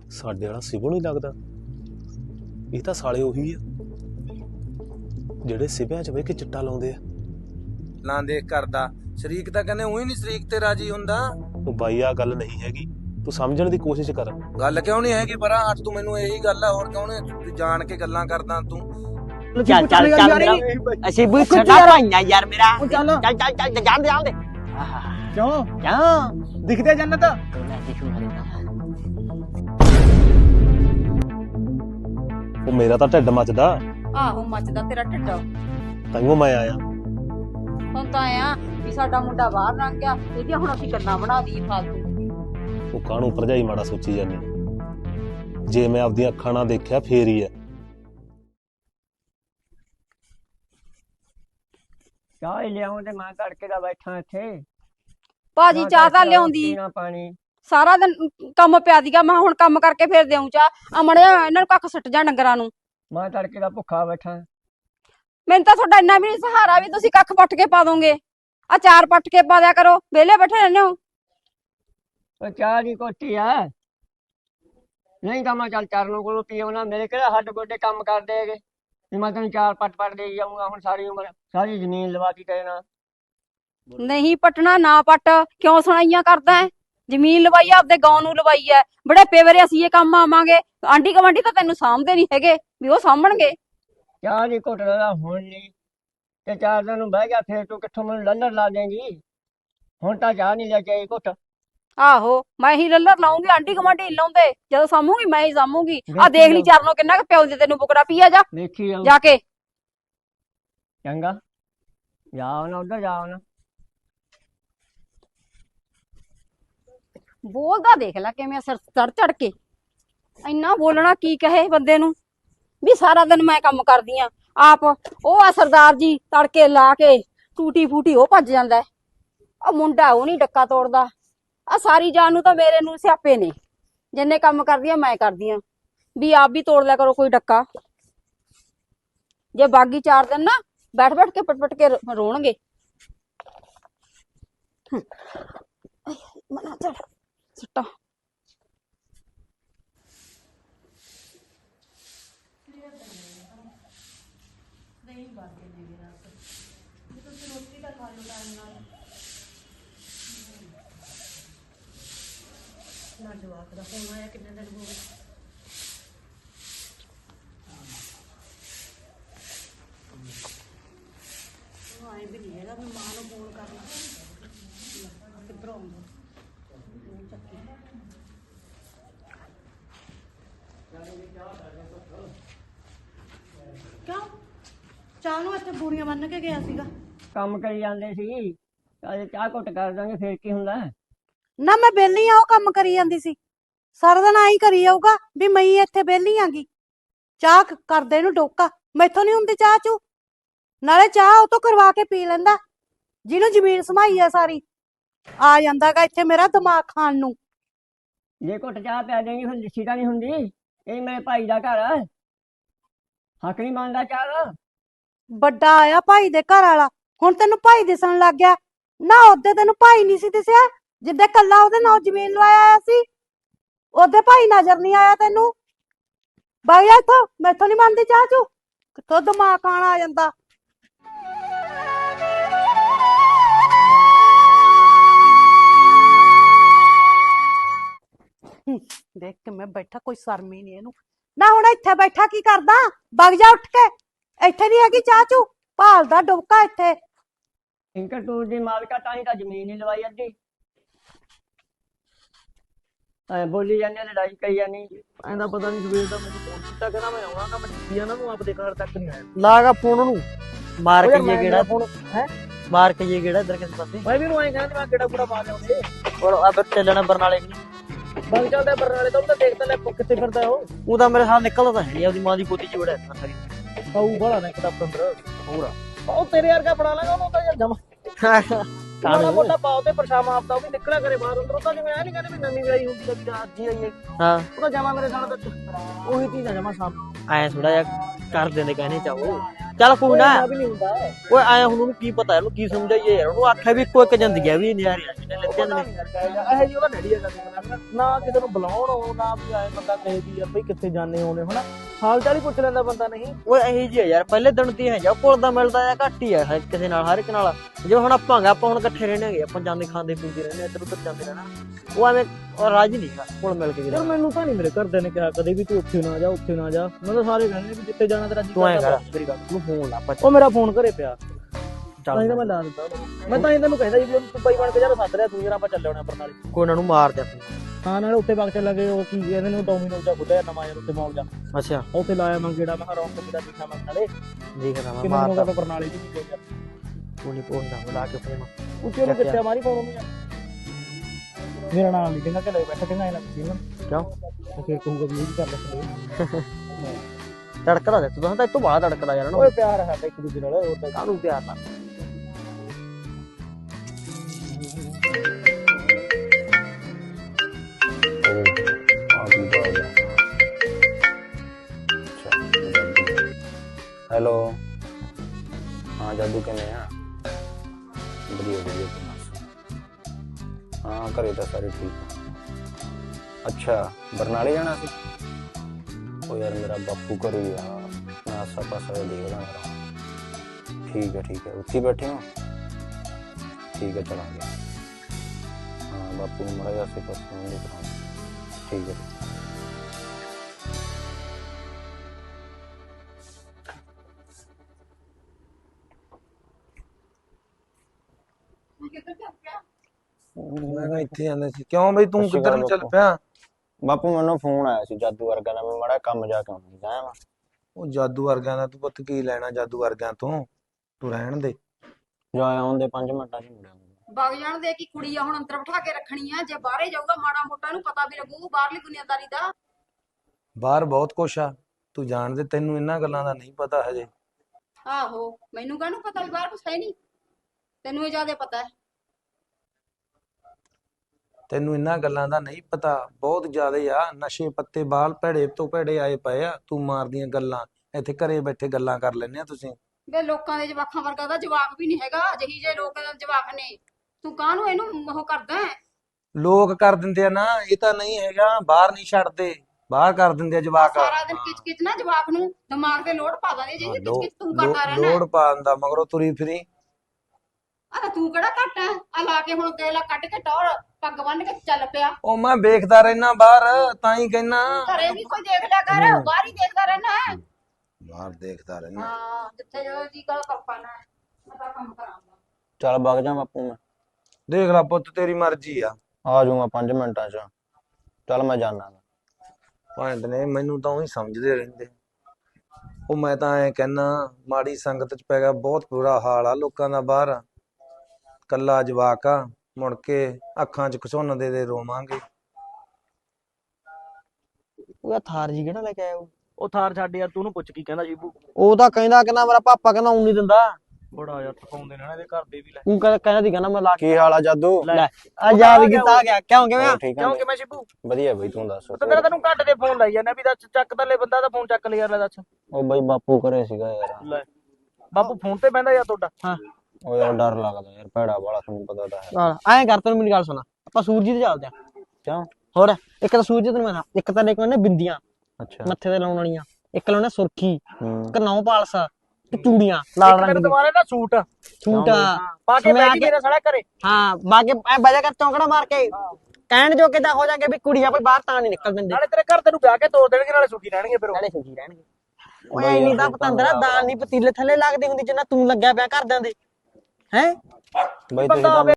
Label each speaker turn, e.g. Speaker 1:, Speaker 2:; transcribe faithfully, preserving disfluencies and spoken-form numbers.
Speaker 1: ਸਾਡੇ ਵਾਲਾ ਸਿਵਲ ਨਹੀਂ ਲੱਗਦਾ। ਇਹ ਤਾਂ ਸਾਲੇ ਉਹੀ ਆ ਜਿਹੜੇ ਸਿਵਿਆਂ 'ਚ ਬਹਿ ਕੇ ਚਿੱਟਾ ਲਾਉਂਦੇ ਆ।
Speaker 2: ਲਾਂ ਦੇਖ ਕਰਦਾ ਸ਼ਰੀਕ ਤਾਂ ਕਹਿੰਦੇ ਉਹੀ ਨਹੀਂ ਸ਼ਰੀਕ ਤੇ ਰਾਜੀ ਹੁੰਦਾ।
Speaker 1: ਉਹ ਬਾਈ ਆ ਗੱਲ ਨਹੀਂ ਹੈਗੀ, ਤੂੰ ਸਮਝਣ ਦੀ ਕੋਸ਼ਿਸ਼ ਕਰ।
Speaker 2: ਗੱਲ ਕਿਉਂ ਨਹੀਂ ਹੈਗੀ ਪਰਾਂ ਹੱਟ ਤੂੰ, ਮੈਨੂੰ ਇਹੀ ਗੱਲ ਆ ਹੋਰ ਕਿਉਂ ਨਹੀਂ ਤੂੰ ਜਾਣ ਕੇ ਗੱਲਾਂ ਕਰਦਾ ਤੂੰ।
Speaker 3: ਚੱਲ ਚੱਲ ਚੱਲ ਮੇਰਾ ਅਸੀਂ ਵੀ ਛੱਡਾ ਭਾਈਆਂ ਯਾਰ ਮੇਰਾ ਚੱਲ ਚੱਲ ਚੱਲ ਜਾਣ ਦੇ ਜਾਣ ਦੇ।
Speaker 4: ਕਿਉਂ
Speaker 3: ਕਿਉਂ
Speaker 4: ਦਿਖਦੇ ਜੰਨਤ?
Speaker 1: ਉਹ ਮੇਰਾ ਤਾਂ ਢਿੱਡ ਮੱਚਦਾ,
Speaker 5: ਆਹੋ ਮੱਚਦਾ ਤੇਰਾ ਢਿੱਡ।
Speaker 1: ਤਾਂਹੀਓ ਮੈਂ ਆਇਆ।
Speaker 5: ਹੁਣ ਤਾਂ ਆਇਆ ਵੀ ਸਾਡਾ ਮੁੰਡਾ ਬਾਹਰ ਲੰਘ ਗਿਆ, ਇਹਦੀਆਂ ਹੁਣ ਅਸੀਂ ਗੱਲਾਂ ਬਣਾ ਦਈਏ ਫਾਲਤੂ।
Speaker 1: ਉਹ ਕਾਹਨੂੰ ਭਰਜਾਈ ਮਾੜਾ ਸੋਚੀ ਜਾਂਦੀ, ਜੇ ਮੈਂ ਆਪਦੀਆਂ ਅੱਖਾਂ ਨਾਲ ਦੇਖਿਆ ਫੇਰ ਹੀ ਆ।
Speaker 3: ਚਾਹ ਹੀ ਲਿਆਉਂ ਤੇ ਮੈਂ ਤੜਕੇ ਦਾ ਬੈਠਾ ਇੱਥੇ।
Speaker 5: ਭਾਜੀ ਚਾਹ ਤਾਂ ਲਿਆਉਂਦੀ,
Speaker 3: ਪੀਣਾ ਪਾਣੀ
Speaker 5: ਸਾਰਾ ਦਿਨ ਕੰਮ ਪਿਆ ਦੀਗਾ। ਮੈਂ ਹੁਣ ਕੰਮ ਕਰਕੇ ਫੇਰ ਦੇਉਂ ਚਾਹ। ਅਮੜੇ ਇਹਨਾਂ ਨੂੰ ਕੱਖ ਸੁੱਟ ਜਾ ਡੰਗਰਾਂ ਨੂੰ।
Speaker 3: ਮੈਂ ਤੜਕੇ ਦਾ ਭੁੱਖਾ ਬੈਠਾ।
Speaker 5: ਮੈਨੂੰ ਤਾਂ ਤੁਹਾਡਾ ਇੰਨਾ ਵੀ ਨਹੀਂ ਸਹਾਰਾ ਵੀ ਤੁਸੀਂ ਕੱਖ ਪੱਟ ਕੇ ਪਾ ਦੋਗੇ। ਆ ਚਾਰ ਪੱਟ ਕੇ ਪਾ ਦਿਆ ਕਰੋ, ਵਿਹਲੇ ਬੈਠੇ ਰਹਿੰਦੇ ਹੋ।
Speaker 3: ਉਹ ਚਾਹ ਦੀ ਕੋਟੀ ਆ, ਨਹੀਂ ਤਾਂ ਮੈਂ ਚੱਲ ਚਰਨੋਂ ਕੋਲੋਂ ਪੀਉਣਾ। ਮੇਰੇ ਕਿਹੜਾ ਹੱਡ ਗੋਡੇ ਕੰਮ ਕਰਦੇ ਹੈਗੇ ਵੀ ਮੈਂ ਤੈਨੂੰ ਚਾਰ ਪੱਟ ਪੱਟ ਦੇ ਜਾਊਂਗਾ। ਹੁਣ ਸਾਰੀ ਉਮਰ ਸਾਰੀ ਜ਼ਮੀਨ ਲਵਾ ਕੇ ਕਹਿਣਾ
Speaker 5: ਨਹੀਂ ਪੱਟਣਾ ਨਾ ਪੱਟ, ਕਿਉਂ ਸੁਣਾਈਆਂ ਕਰਦਾ ਹੈ? ਜ਼ਮੀਨ ਲਵਾਈ ਆ, ਆਪਦੇ ਗਾਉਂ ਨੂੰ ਲਵਾਈ ਹੈ। ਬੜੇ ਪੇਵਰੇ ਅਸੀਂ ਇਹ ਕੰਮ ਆਵਾਂਗੇ। ਆਂਢੀ ਗੁਆਂਢੀ ਤਾਂ ਤੈਨੂੰ ਸਾਂਭਦੇ ਨਹੀਂ ਹੈਗੇ ਵੀ ਉਹ ਸਾਂਭਣਗੇ।
Speaker 3: ਚਾਹ ਦੀ ਘੁੱਟ ਦਾ ਹੁਣ ਨਹੀਂ ਤੇ ਚਾਰ ਦਿਨ ਨੂੰ ਬਹਿ ਗਿਆ ਫੇਰ ਤੂੰ ਕਿੱਥੋਂ ਮੈਨੂੰ ਲੰਡਰ ਲਾ ਦੇਂਗੀ। ਹੁਣ ਤਾਂ ਚਾਹ ਨਹੀਂ ਲੈ ਕੇ ਆਈ ਘੁੱਟ।
Speaker 5: ਆਹੋ ਮੈਂ ਹੀ ਲੱਲਰ ਲਾਉਂਗੀ, ਆਂਢੀ ਗੁਆਂਢੀ ਲਾਉਂਦੇ। ਜਦੋਂ ਸਾਂਭੂਗੀ ਮੈਂ ਹੀ ਸਾਂਭੂਗੀ। ਆ ਦੇਖ ਲਈ ਚਰਨੋਂ ਕਿੰਨਾ ਕੁ ਪਿਓ ਦੇ ਤੈਨੂੰ ਬੁਕੜਾ ਪੀਆ ਜਾ
Speaker 3: ਦੇਖੀ ਜਾਊ
Speaker 5: ਜਾ ਕੇ।
Speaker 3: ਚੰਗਾ ਜਾਓ ਨਾ ਉਧਰ ਜਾਓ ਨਾ।
Speaker 5: ਬੋਲਦਾ ਦੇਖ ਲੈ ਕਿਵੇਂ ਸਿਰ ਚੜ ਚੜ ਕੇ। ਇੰਨਾ ਬੋਲਣਾ ਕੀ ਕਹੇ ਬੰਦੇ ਨੂੰ ਵੀ ਸਾਰਾ ਦਿਨ ਮੈਂ ਕੰਮ ਕਰਦੀ ਆ ਆਪ। ਉਹ ਆ ਸਰਦਾਰ ਜੀ ਤੜਕੇ ਲਾ ਕੇ ਟੂਟੀ ਫੂਟੀ ਉਹ ਭੱਜ ਜਾਂਦਾ। ਆ ਮੁੰਡਾ ਉਹ ਨਹੀਂ ਡੱਕਾ ਤੋੜਦਾ। ਆ ਸਾਰੀ ਜਾਨ ਨੂੰ ਤਾਂ ਮੇਰੇ ਨੂੰ ਸਿਆਪੇ ਨੇ। ਜਿੰਨੇ ਕੰਮ ਕਰਦੀ ਆ ਮੈਂ ਕਰਦੀ ਆ, ਵੀ ਆਪ ਵੀ ਤੋੜ ਲਿਆ ਕਰੋ ਕੋਈ ਡੱਕਾ। ਜੇ ਬਾਗੀ ਚਾਰ ਦਿਨ ਨਾ ਬੈਠ ਬੈਠ ਕੇ ਪਟ ਪਟ ਕੇ ਰੋਣਗੇ। ਮਨਾ ਚੜ ਸਿੱਟਾ ਨਾ ਜਵਾਕ ਦਾ ਫੋਨ ਆਇਆ ਕਿੰਨੇ ਦਿਨ ਹੋ ਗਏ। ਆਏ ਵੀ ਨਹੀਂ ਹੈਗਾ, ਮੈਂ ਮਾਂ ਨੂੰ ਫੋਨ ਕਰਨਾ। ਕਿੱਧਰੋਂ ਆਉਂਦਾ ਚੱਕੀ ਕਿਉਂ? ਚਾਹ ਨੂੰ ਇੱਥੇ ਬੂੜੀਆਂ ਬੰਨ ਕੇ ਗਿਆ ਸੀਗਾ।
Speaker 3: ਕੰਮ ਕਰੀ ਜਾਂਦੇ ਸੀ, ਅਜੇ ਚਾਹ ਘੁੱਟ ਕਰ ਦਾਂਗੇ ਫੇਰ ਕੀ ਹੁੰਦਾ।
Speaker 6: ਨਾ ਮੈਂ ਵਿਹਲੀ ਆ, ਉਹ ਕੰਮ ਕਰੀ ਜਾਂਦੀ ਸੀ। ਸਾਰਾ ਦਿਨ ਆਈ ਕਰੀ ਜਾਊਗਾ ਵੀ ਮੈਂ ਇੱਥੇ ਵਿਹਲੀ ਆਂਗੀ। ਚਾਹ ਕਰਦੇ ਨੂੰ ਡੋਕਾ ਮੈਥੋਂ ਨਹੀਂ ਹੁੰਦੀ ਚਾਹ ਚੂ। ਨਾਲੇ ਚਾਹ ਉਹ ਤੋਂ ਕਰਵਾ ਕੇ ਪੀ ਲੈਂਦਾ ਜਿਹਨੂੰ ਜ਼ਮੀਨ ਸਮਾਈ ਆ ਸਾਰੀ। ਆ ਜਾਂਦਾਗਾ ਇੱਥੇ ਮੇਰਾ ਦਿਮਾਗ ਖਾਣ ਨੂੰ।
Speaker 3: ਜੇ ਘੁੱਟ ਚਾਹ ਪਿਆ ਦੇਂਗੀ ਫਿਰ ਲਿੱਸੀ ਤਾਂ ਨਹੀਂ ਹੁੰਦੀ। ਇਹ ਮੇਰੇ ਭਾਈ ਦਾ ਘਰ ਆ, ਹੱਕ ਨਹੀਂ ਮੰਨਦਾ ਚਾਹ ਦਾ।
Speaker 6: ਵੱਡਾ ਆਇਆ ਭਾਈ ਦੇ ਘਰ ਵਾਲਾ, ਹੁਣ ਤੈਨੂੰ ਭਾਈ ਦਿਸਣ ਲੱਗ ਗਿਆ ਨਾ। ਉਹਦੇ ਤੈਨੂੰ ਭਾਈ ਨਹੀਂ ਸੀ ਦਿਸਿਆ ਜਿੱਦੇ ਕੱਲਾ ਉਹਦੇ ਨਾਲ ਜ਼ਮੀਨ ਲਵਾਇਆ ਆਇਆ ਸੀ। ਉਹਦੇ ਭਾਈ ਨਜ਼ਰ ਨਹੀਂ ਆਇਆ ਤੈਨੂੰ। ਬਾਈਆ ਇੱਥੋਂ ਮੈਥੋਂ ਨਹੀਂ ਮੰਨਦੀ ਚਾਹ ਚੂ। ਕਿੱਥੋਂ ਦਿਮਾਗ ਖਾਣ ਆ ਜਾਂਦਾ। ਦੇਖ ਕੇ ਮੈਂ ਬੈਠਾ, ਕੋਈ ਸ਼ਰਮ ਹੀ ਨਹੀਂ ਇਹਨੂੰ। ਨਾ ਹੁਣ ਇੱਥੇ ਬੈਠਾ ਕੀ ਕਰਦਾ? ਵਗ ਜਾ ਉੱਠ ਕੇ। ਇੱਥੇ ਨਹੀਂ ਹੈਗੀ ਚਾਹ ਚੂ, ਭਾਲਦਾ ਡੁਬਕਾ ਇੱਥੇ।
Speaker 3: ਇੰਕਰ ਟੂਰ ਦੀ ਮਾਲਕਾ ਤਾਂ ਹੀ ਤਾਂ ਜ਼ਮੀਨ ਹੀ ਲਵਾਈ ਅੱਧੀ। ਐ ਬੋਲੀ ਜਾਂਦੇ ਲੜਾਈ ਕਰੀ ਜਾਨੀ।
Speaker 4: ਐਂਦਾ ਪਤਾ ਨਹੀਂ ਸਵੇਰ ਦਾ ਮੈਨੂੰ ਫੋਨ ਕੀਤਾ, ਕਹਿੰਦਾ ਮੈਂ ਆਉਣਾਗਾ। ਮੈਂ ਟਿੱਕੀ ਇਹਨਾਂ ਨੂੰ ਆਪਦੇ ਘਰ ਤੱਕ ਨਹੀਂ ਆਇਆ। ਲਾਗਾ ਫੋਨ ਉਹਨੂੰ
Speaker 3: ਮਾਰ ਕੇ ਜੇ ਗੇੜਾ
Speaker 4: ਫੋਨ ਹੈ
Speaker 3: ਮਾਰ ਕੇ ਜੇ ਗੇੜਾ ਇਧਰ ਕਿਸੇ ਪਾਸੇ।
Speaker 4: ਮੈਂ ਵੀ ਨੂੰ ਐਂ ਕਹਿੰਦਾ ਮੈਂ ਗੇੜਾ ਗੂੜਾ ਪਾ ਲਿਆਉਂਦੇ।
Speaker 3: ਔਰ ਆ ਫਿਰ ਚੱਲਣਾ ਬਰਨਾਲੇ ਕਿ
Speaker 4: ਬਗ ਚੱਲਦਾ ਬਰਨਾਲੇ ਤੋਂ। ਤਾਂ ਦੇਖਦਾ ਲੈ ਕਿੱਥੇ ਫਿਰਦਾ ਉਹ।
Speaker 3: ਉਹ ਤਾਂ ਮੇਰੇ ਸਾਹ ਨਿਕਲਦਾ ਤਾਂ ਹੈ ਨਹੀਂ। ਉਹਦੀ ਮਾਂ ਦੀ ਗੋਦੀ ਚ ਵੜਿਆ ਸਾਰੀ
Speaker 4: ਖਾਊ ਬੜਾ ਨਾ ਕਿਤਾਬ ਅੰਦਰ ਪੂਰਾ। ਉਹ ਤੇਰੇ ਵਰਗਾ ਬਣਾ ਲਾਂਗਾ ਉਹਨੂੰ ਤਾਂ ਯਾਰ ਜਮਾ। ਕਾਣਾ ਮੋਟਾ ਪਾਉ ਤੇ ਪਰਛਾਵਾਂ ਆਪਦਾ ਉਹ ਵੀ ਨਿਕਲਿਆ ਕਰੇ ਬਾਹਰ ਅੰਦਰ। ਉਹ ਤਾਂ ਜਿਵੇਂ ਆ ਨਹੀਂ ਕਹਿੰਦੇ ਵੀ ਨਵੀਂ ਵਿਆਹੀ ਹੁੰਦੀ ਆ ਵੀ ਅੱਜ ਹੀ ਆਈਏ।
Speaker 3: ਹਾਂ
Speaker 4: ਉਹ ਤਾਂ ਜਮਾ ਮੇਰੇ ਸਾਲ ਤੱਕ ਉਹੀ ਚੀਜ਼ ਆ ਜਮਾ ਸਾਫ।
Speaker 3: ਐ ਥੋੜਾ ਜਿਹਾ ਕਰ ਦਿੰਦੇ ਕਹਿੰਦੇ ਚਾਹੋ।
Speaker 4: ਚੱਲ ਕੋਈ ਨਾ ਵੀ ਨਹੀਂ ਹੁੰਦਾ ਓਏ ਆਇਆ ਹੁਣ ਉਹਨੂੰ ਕੀ ਪਤਾ ਇਹਨੂੰ ਕੀ ਸਮਝਾਈਏ ਯਾਰ ਉਹਨੂੰ ਆਖਿਆ ਵੀ ਇੱਕੋ ਇੱਕ ਜ਼ਿੰਦਗੀ ਆ ਵੀ ਯਾਰ ਯਾਰ ਜਿਹਨੇ ਲੱਗੇ ਨੇ
Speaker 3: ਇਹ ਜੀ ਉਹਦਾ ਡੈਡੀ ਹੈਗਾ ਦੇਖਣਾ ਨਾ ਕਿਸੇ ਨੂੰ ਬੁਲਾਉਣ ਉਹ ਨਾ ਵੀ ਆਏ ਬੰਦਾ ਕਹੇ ਵੀ ਯਾਰ ਬਈ ਕਿੱਥੇ ਜਾਣੇ ਹੋਣੇ ਹਨਾ ਹਾਲ ਚਾਲ ਹੀ ਪੁੱਛ ਲੈਂਦਾ ਬੰਦਾ ਨਹੀਂ
Speaker 4: ਓਏ ਇਹੀ ਜੀ ਯਾਰ ਪਹਿਲੇ ਦਿਨ ਦੀ ਹੈ ਜਾ ਕੋਲ ਦਾ ਮਿਲਦਾ ਜਾਂ ਘੱਟ ਹੀ ਆ ਹਰ ਕਿਸੇ ਨਾਲ ਹਰ ਇੱਕ ਨਾਲ ਜਿਵੇਂ ਹੁਣ ਆਪਾਂ ਗਾ ਆਪਾਂ ਹੁਣ ਇਕੱਠੇ ਰਹਿਣਗੇ ਆਪਾਂ ਜਾਂਦੇ ਖਾਂਦੇ ਪੀਂਦੇ ਰਹਿੰਦੇ ਇੱਧਰ ਉੱਧਰ ਜਾਂਦੇ ਰਹਿਣਾ ਉਹ ਐਵੇਂ ਉਹ ਰਾਜੀ ਨਹੀਂ ਕੋਲ ਮਿਲ ਕੇ
Speaker 3: ਯਾਰ ਮੈਨੂੰ ਤਾਂ ਨਹੀਂ ਮੇਰੇ ਘਰਦਿਆਂ ਨੇ ਕਿਹਾ ਕਦੇ ਵੀ ਤੂੰ ਉੱਥੇ ਨਾ ਜਾ ਉੱਥੇ ਨਾ ਜਾ ਮੈਂ ਤਾਂ ਸਾਰੇ ਕਹਿੰਦੇ ਵੀ ਜਿੱਥੇ ਜਾਣਾ ਤੇਰਾ ਜੀ
Speaker 4: ਤੂੰ ਐਂ
Speaker 3: ਕਰਦਾ
Speaker 4: ਕਰ ਮੇਰੀ ਗੱਲ ਤੂੰ ਫੋਨ ਲਾ
Speaker 3: ਉਹ ਮੇਰਾ ਫੋਨ ਘਰੇ ਪਿਆ ਤਾਂ
Speaker 4: ਚੱਲ
Speaker 3: ਹੀ ਤਾਂ ਮੈਂ ਲਾ ਦਿੱਤਾ ਮੈਂ ਤਾਂ ਹੀ ਤੈਨੂੰ ਕਹਿੰਦਾ ਜੀ ਤੂੰ ਬਾਈ ਬਣ ਕੇ ਯਾਰ ਸੱਦ ਰਿਹਾ ਤੂੰ ਜਰਾ ਆਪਾਂ ਚੱਲੇ ਹੋਣੇ ਬਰਨਾਲੇ
Speaker 4: ਕੋਈ ਉਹਨਾਂ ਨੂੰ ਮਾਰ ਦੇ
Speaker 3: ਹਾਂ ਨਾਲੇ ਉੱਥੇ ਵਗ ਚੱਲਾਂਗੇ ਉਹ ਕੀ ਕਹਿੰਦੇ ਨੇ ਡੋਮੀਨੋਜ਼ ਦਾ ਖੁੱਲਿਆ ਨਵਾਂ ਯਾਰ ਉੱਥੇ ਮੌਲ ਜਾ
Speaker 4: ਅੱਛਾ
Speaker 3: ਉੱਥੇ ਲਾਇਆ ਮੈਂ ਗੇੜਾ ਮੈਂ ਰੌਣਕ ਮੇਰਾ ਦੇਖਣਾ ਮੈਂ ਨਾਲੇ
Speaker 4: ਦੇਖਦਾ ਮੈਂ
Speaker 3: ਕਿੰਨੇ
Speaker 4: ਮਾਰਦਾ
Speaker 3: ਲੋਕਾਂ ਬਰਨਾਲੇ ਦੀ ਵੀ ਗਿਆ
Speaker 4: ਤੂੰ ਨਹੀਂ ਪਹੁੰਚਦਾ ਬੁਲਾ ਕੇ ਫੋਨ
Speaker 3: ਉੱਥੇ ਉਹਨੂੰ ਕਿੱਥੇ ਮਾਰੀ ਫੋਨ ਉਹਨੂੰ ਮੇਰਾ ਨਾਮ ਨਹੀਂ ਕਹਿੰਦਾ ਕਿ ਲੈ ਬੈਠਾ ਕਹਿੰਦਾ ਇਹਨਾਂ ਸੀ ਨਾ
Speaker 4: ਕਿਉਂ
Speaker 3: ਉਹ ਫਿਰ ਕਹੂਗਾ ਵੀ ਇਹ ਵੀ ਕਰ ਲੈ
Speaker 4: ਤੜਕਦਾ ਦੇ ਤੂੰ ਤਾਂ ਇੱਥੋਂ ਬਾਹਰ ਤੜਕਦਾ ਯਾਰ
Speaker 3: ਓਏ ਪਿਆਰ ਹੈ ਸਾਡਾ ਇੱਕ ਦੂਜੇ ਨਾਲ ਹੋਰ ਤਾਂ
Speaker 4: ਕਾਹਨੂੰ ਪਿਆਰ ਨਾਲ
Speaker 2: ਹੈਲੋ ਹਾਂ ਜਾਦੂ ਕਿਵੇਂ ਆ ਵਧੀਆ ਵਧੀਆ ਤੂੰ ਦੱਸ ਹਾਂ ਘਰੇ ਤਾਂ ਸਾਰੇ ਠੀਕ ਆ ਅੱਛਾ ਬਰਨਾਲੇ ਜਾਣਾ ਸੀ ਉਹ ਯਾਰ ਮੇਰਾ ਬਾਪੂ ਘਰੇ ਆ ਮੈਂ ਆਸਾ ਪਾਸਾ ਦੇਖਦਾ ਮੇਰਾ ਠੀਕ ਹੈ ਠੀਕ ਹੈ ਉੱਥੇ ਬੈਠੇ ਹੋ ਠੀਕ ਹੈ ਚਲਾਂਗੇ ਹਾਂ ਬਾਪੂ ਨੂੰ ਮੜਾ ਆਸੇ ਪਾਸੇ ਨੂੰ ਦਿਖਾਉਂ ਠੀਕ ਹੈ ਮੈਂ ਇੱਥੇ ਆਂਦਾ ਸੀ ਕਿਉਂ ਬਈ ਤੂੰ ਕਿੱਧਰ ਨੂੰ ਚੱਲ ਪਿਆ ਬਾਪੂ ਮੈਨੂੰ ਫੋਨ ਆਇਆ ਸੀ ਜਾਦੂ ਵਰਗਾ ਦਾ ਮੈਂ ਮੜਾ ਕੰਮ ਜਾ ਕੇ ਆਉਣਾ ਜਾਇਆ ਵਾ ਉਹ ਜਾਦੂ ਵਰਗਿਆਂ ਦਾ ਤੂੰ ਪੁੱਤ ਕੀ ਲੈਣਾ ਜਾਦੂ ਵਰਗਿਆਂ ਤੋਂ ਤੂੰ ਰਹਿਣ ਦੇ ਜਾ ਆਉਂਦੇ ਪੰਜ ਮਿੰਟਾਂ ਚ ਮੁੜਿਆ
Speaker 5: ਵਗ ਜਾਣ ਦੇ ਕਿ ਕੁੜੀ ਆ ਹੁਣ ਅੰਦਰ ਬਿਠਾ ਕੇ ਰੱਖਣੀ ਆ ਜੇ ਬਾਹਰੇ ਜਾਊਗਾ ਮਾੜਾ ਮੋਟਾ ਨੂੰ ਪਤਾ ਵੀ ਲੱਗੂ ਬਾਹਰਲੀ ਦੁਨੀਆਦਾਰੀ ਦਾ
Speaker 2: ਬਾਹਰ ਬਹੁਤ ਕੁਛ ਆ ਤੂੰ ਜਾਣਦੇ ਤੈਨੂੰ ਇਹਨਾਂ ਗੱਲਾਂ ਦਾ ਨਹੀਂ ਪਤਾ ਹਜੇ
Speaker 5: ਆਹੋ ਮੈਨੂੰ ਕਾਹਨੂੰ ਪਤਾ ਵੀ ਬਾਹਰ ਕੁਛ ਹੈ ਨਹੀਂ ਤੈਨੂੰ ਇਹ ਜ਼ਿਆਦਾ ਪਤਾ ਹੈ
Speaker 2: ਤੈਨੂੰ ਇਹਨਾਂ ਗੱਲਾਂ ਦਾ ਨਹੀਂ ਪਤਾ ਬਹੁਤ ਜ਼ਿਆਦੇ ਆ ਨਸ਼ੇ ਪੱਤੇ ਬਾਲ ਭੈੜੇ ਤੋਂ ਭੈੜੇ ਆਏ ਪਏ ਆ ਤੂੰ ਮਾਰਦੀਆਂ ਗੱਲਾਂ ਇੱਥੇ ਘਰੇ ਬੈਠੇ ਗੱਲਾਂ ਕਰ ਲੈਂਦੇ ਆ ਤੁਸੀਂ
Speaker 5: ਵੇ ਲੋਕਾਂ ਦੇ ਜਵਾਕਾਂ ਵਰਗਾ ਦਾ ਜਵਾਕ ਵੀ ਨਹੀਂ ਹੈਗਾ ਜਿਹੀ ਜੇ ਲੋਕ ਜਵਾਕ ਨੇ ਤੂੰ ਕਾਹਨੂੰ ਇਹਨੂੰ ਉਹ ਕਰਦਾ
Speaker 2: ਲੋਕ ਕਰ ਦਿੰਦੇ ਆ ਨਾ ਇਹ ਤਾਂ ਨਹੀਂ ਹੈਗਾ ਬਾਹਰ ਨਹੀਂ ਛੱਡਦੇ ਬਾਹਰ ਕਰ ਦਿੰਦੇ ਆ ਜਵਾਕ
Speaker 5: ਸਾਰਾ ਦਿਨ ਕਿਚ ਕਿਚ ਨਾ ਜਵਾਕ ਨੂੰ ਦਿਮਾਗ ਤੇ ਲੋਡ ਪਾ ਦਿੰਦੇ ਜਿਹੀ ਕਿਚ ਕਿਚ ਤੂੰ ਕਰਦਾ ਰਹਿਣਾ
Speaker 2: ਲੋੜ ਪਾਉਣ ਦਾ ਮਗਰੋਂ ਤੁਰੀ ਫਿਰੀ
Speaker 5: ਆ ਤੂੰ ਕਿਹੜਾ ਘੱਟ ਹੈ ਆ ਲਾ ਕੇ ਹੁਣ ਗੇਲਾ ਕੱਢ ਕੇ ਟੌਰ ਪੱਗ ਬੰਨ ਕੇ ਚੱਲ ਪਿਆ
Speaker 2: ਉਹ ਮੈਂ ਵੇਖਦਾ ਰਹਿਣਾ ਬਾਹਰ ਤਾਂ ਹੀ ਕਹਿਣਾ
Speaker 5: ਘਰੇ ਵੀ ਕੋਈ ਦੇਖ ਲਿਆ ਕਰ ਬਾਹਰ ਹੀ ਦੇਖਦਾ ਰਹਿਣਾ
Speaker 2: ਬਾਹਰ ਦੇਖਦਾ ਰਹਿਣਾ
Speaker 5: ਹਾਂ ਜਿੱਥੇ ਜੋ ਜੀ ਗੱਲ ਕਰਪਾਣਾ ਮੈਂ ਤਾਂ ਕੰਮ ਕਰਾਂਗਾ
Speaker 2: ਚੱਲ ਵਗ ਜਾ ਬਾਪੂ ਮੈਂ ਦੇਖ ਲੈ ਪੁੱਤ ਤੇਰੀ ਮਰਜ਼ੀ ਆ ਆ ਜਾਊਂਗਾ ਪੰਜ ਮਿੰਟਾਂ ਚ ਚੱਲ ਮੈਂ ਜਾਣਾ ਪੁਆਇੰਟ ਨੇ ਮੈਨੂੰ ਤਾਂ ਉਹੀ ਸਮਝਦੇ ਰਹਿੰਦੇ ਉਹ ਮੈਂ ਤਾਂ ਐ ਕਹਿਣਾ ਮਾੜੀ ਸੰਗਤ ਚ ਪੈ ਗਿਆ ਬਹੁਤ ਬੁਰਾ ਹਾਲ ਆ ਲੋਕਾਂ ਦਾ ਬਾਹਰ ਕੱਲਾ ਜਵਾਕ ਆ ਮੁੜ ਕੇ ਅੱਖਾਂ ਚ ਘਸੁੰਨ ਦੇ ਦੇ ਰੋਵਾਂਗੇ
Speaker 4: ਉਹ ਥਾਰ ਜੀ ਕਿਹੜਾ ਲੈ ਕੇ ਆਇਆ ਉਹ
Speaker 3: ਉਹ ਥਾਰ ਛੱਡ ਯਾਰ ਤੂੰ ਉਹਨੂੰ ਪੁੱਛ ਕੀ ਕਹਿੰਦਾ ਜੀਬੂ
Speaker 4: ਉਹ ਤਾਂ ਕਹਿੰਦਾ ਕਹਿੰਦਾ ਮੇਰਾ ਪਾਪਾ ਕਹਿੰਦਾ ਉਂ ਨਹੀਂ ਦਿੰਦਾ
Speaker 3: ਬੜਾ ਯਾਰ ਥਕਾਉਂਦੇ ਨੇ ਨਾ ਇਹਦੇ ਘਰ ਦੇ ਵੀ ਲੈ
Speaker 4: ਤੂੰ ਕਹਿੰਦਾ ਦੀ ਕਹਿੰਦਾ ਮੈਂ ਲਾ
Speaker 2: ਕੀ ਹਾਲ ਆ ਜਾਦੂ
Speaker 4: ਲੈ ਆ ਯਾਦ ਕੀਤਾ ਗਿਆ ਕਿਉਂ ਕਿਵੇਂ
Speaker 2: ਠੀਕ
Speaker 3: ਕਿਉਂ ਕਿ ਮੈਂ ਸ਼ਿਬੂ
Speaker 2: ਵਧੀਆ ਬਈ ਤੂੰ ਦੱਸ
Speaker 3: ਤਾਂ ਤੇਰਾ ਤੈਨੂੰ ਘੱਟ ਦੇ ਫੋਨ ਲਾਈ ਜਾਂਦਾ ਵੀ ਦੱਸ ਚੱਕ ਤਲੇ ਬੰਦਾ ਦਾ ਫੋਨ ਚੱਕ ਲਿਆ ਯਾਰ ਲੈ ਦੱਸ
Speaker 2: ਉਹ ਬਈ ਬਾਪੂ ਘਰੇ ਸੀਗਾ ਯਾਰ
Speaker 3: ਲੈ ਬਾਪੂ ਫੋਨ ਤੇ ਬਹਿੰਦਾ ਯਾਰ ਤੁਹਾਡਾ
Speaker 4: ਹਾਂ
Speaker 2: ਉਹ ਯਾਰ ਡਰ ਲੱਗਦਾ ਯਾਰ ਭੈੜਾ ਵਾਲਾ ਤੁਹਾਨੂੰ ਪਤਾ ਤਾਂ ਹੈ
Speaker 4: ਐਂ ਕਰ ਤੈਨੂੰ ਮੇਰੀ ਗੱਲ ਸੁਣਾ ਆਪਾਂ ਸੂਰਜੀ ਤੇ ਚੱਲਦੇ ਆ
Speaker 2: ਕਿਉਂ
Speaker 4: ਹੋਰ ਇੱਕ ਤਾਂ ਸੂਰਜੀ ਤੈਨੂੰ ਮੈਂ ਇੱਕ ਤਾਂ ਲੈ ਕੇ ਆਉਣੇ ਬਿੰਦੀਆਂ
Speaker 2: ਅੱਛਾ
Speaker 4: ਮੱਥੇ ਤੇ ਲਾਉਣ ਵਾਲੀਆਂ ਇੱਕ ਲਾਉਣਾ ਸੁਰਖੀ
Speaker 2: ਹੂੰ
Speaker 4: ਇੱਕ ਨੌ ਪਾਲਸਾ ਤੇ ਚੂੜੀਆਂ ਲਾਲ ਰੰਗ ਦੀਆਂ
Speaker 3: ਦੁਬਾਰਾ ਨਾ ਸੂਟ
Speaker 4: ਸੂਟ
Speaker 3: ਪਾ ਕੇ ਬੈਠ ਕੇ ਸਾਲਾ ਘਰੇ
Speaker 4: ਹਾਂ ਬਾਕੀ ਐ ਬਜਾ ਕਰ ਚੌਂਕੜਾ ਮਾਰ ਕੇ ਕਹਿਣ ਜੋ ਕਿਦਾਂ ਹੋ ਜਾਗੇ ਵੀ ਕੁੜੀਆਂ ਕੋਈ ਬਾਹਰ ਤਾਂ ਨਹੀਂ ਨਿਕਲ ਦਿੰਦੇ
Speaker 3: ਨਾਲੇ ਤੇਰੇ ਘਰ ਤੈਨੂੰ ਵਿਆਹ ਕੇ ਤੋੜ ਦੇਣਗੇ ਨਾਲੇ ਸੁਖੀ ਰਹਿਣਗੇ ਫਿਰ ਉਹ
Speaker 4: ਨਾਲੇ ਸੁਖੀ ਰਹਿਣਗੇ ਓਏ ਇੰਨੀ ਤਾਂ ਪਤੰਦਰਾ ਦਾਲ ਨਹੀਂ ਪਤੀਲੇ ਥੱਲੇ ਲੱਗਦੀ ਹੁੰਦੀ ਜਿੰਨਾ ਤੂੰ ਲੱਗਿਆ ਪਿਆ ਕਰਦਿਆਂ ਦੇ ਹੈ
Speaker 2: ਬਈ ਤੁਸੀਂ ਤਾਂ